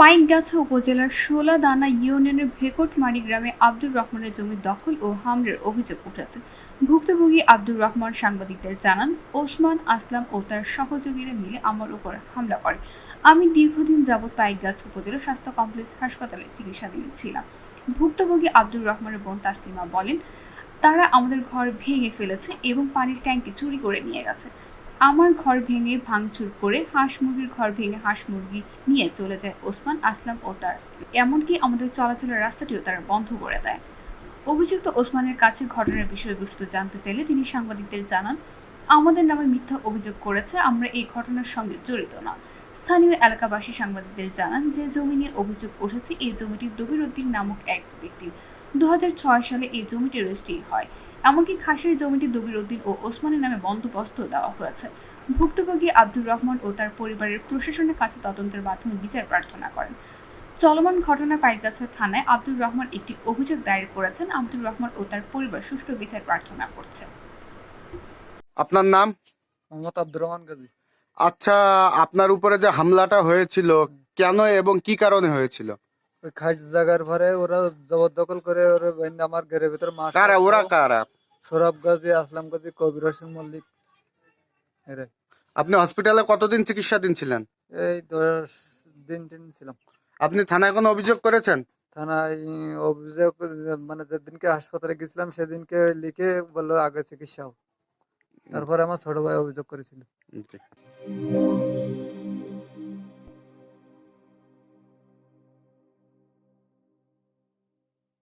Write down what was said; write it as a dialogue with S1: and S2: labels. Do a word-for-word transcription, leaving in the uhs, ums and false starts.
S1: পাইকগাছা উপজেলার শোলাদানা ইউনিয়নের ভেকটমারি গ্রামে আব্দুর রহমানের জমি দখল ও হামলার অভিযোগ উঠেছে। ভুক্তভোগী আব্দুর রহমান সাংবাদিকদের জানান, ওসমান আসলাম ও তার সহযোগীরা মিলে আমার উপর হামলা করে। আমি দীর্ঘদিন যাবৎ পাইকগাছা উপজেলা স্বাস্থ্য কমপ্লেক্স হাসপাতালে চিকিৎসাধীন ছিলাম। ভুক্তভোগী আব্দুর রহমানের বোন তাসলিমা বলেন, তারা আমাদের ঘর ভেঙে ফেলেছে এবং পানির ট্যাঙ্কি চুরি করে নিয়ে গেছে। আমার ঘর ভেঙে ভাঙচুর করে হাঁস মুরগির ঘর ভেঙে হাঁস মুরগি নিয়ে চলে যায় ওসমান আসলাম ও তার স্ত্রী। এমনকি আমাদের চলাচলের রাস্তাটিও তারা বন্ধ করে দেয়। অভিযুক্ত ওসমানের কাছে ঘটনার বিষয়বস্তু জানতে চাইলে তিনি সাংবাদিকদের জানান, আমাদের নামে মিথ্যা অভিযোগ করেছে, আমরা এই ঘটনার সঙ্গে জড়িত না। স্থানীয় এলাকাবাসী সাংবাদিকদের জানান, যে জমি নিয়ে অভিযোগ উঠেছে এই জমিটি দবির উদ্দিন নামক এক ব্যক্তির। দু হাজার ছয় সালে এই জমিটি রেজিস্ট্রি হয়। এমনকি খাসের জমিটি দবির উদ্দিন ও ওসমানের নামে বন্দোবস্ত দেওয়া হয়েছে। ভুক্তভোগী আব্দুর রহমান ও তার পরিবারের প্রশাসনের কাছে তদন্তের মাধ্যমে বিচার প্রার্থনা করেন। চলমান ঘটনা পাইকগাছা থানায় আব্দুর রহমান একটি অভিযোগ দায়ের করেছেন। আব্দুর রহমান ও তার পরিবার সুষ্ঠু বিচার প্রার্থনা করছে।
S2: আপনার নাম?
S3: মোহাম্মদ আব্দুর রহমান গাজী।
S2: আচ্ছা, আপনার উপরে যে হামলাটা হয়েছিল কেন এবং কি কারণে হয়েছিল?
S3: ওই খাস জায়গার পরে ওরা জবরদখল করে ওরা বাইন্দা আমার ঘরের ভিতরে মাস
S2: কারা ওরা কারা?
S3: সৌরভ গাজী, আসলাম গাজী, কবির হোসেন মল্লিক। এরাই।
S2: আপনি হসপিটালে কতদিন চিকিৎসাধীন ছিলেন?
S3: এই দশ দিন টিন ছিলাম।
S2: আপনি থানায় কোনো অভিযোগ করেছেন?
S3: থানায় অভিযোগ মানে যেদিনকে হাসপাতালে গেছিলাম সেদিনকে লিখে বললো আগে চিকিৎসা হোক। তারপরে আমার ছোট ভাই অভিযোগ করেছিল।
S2: জি।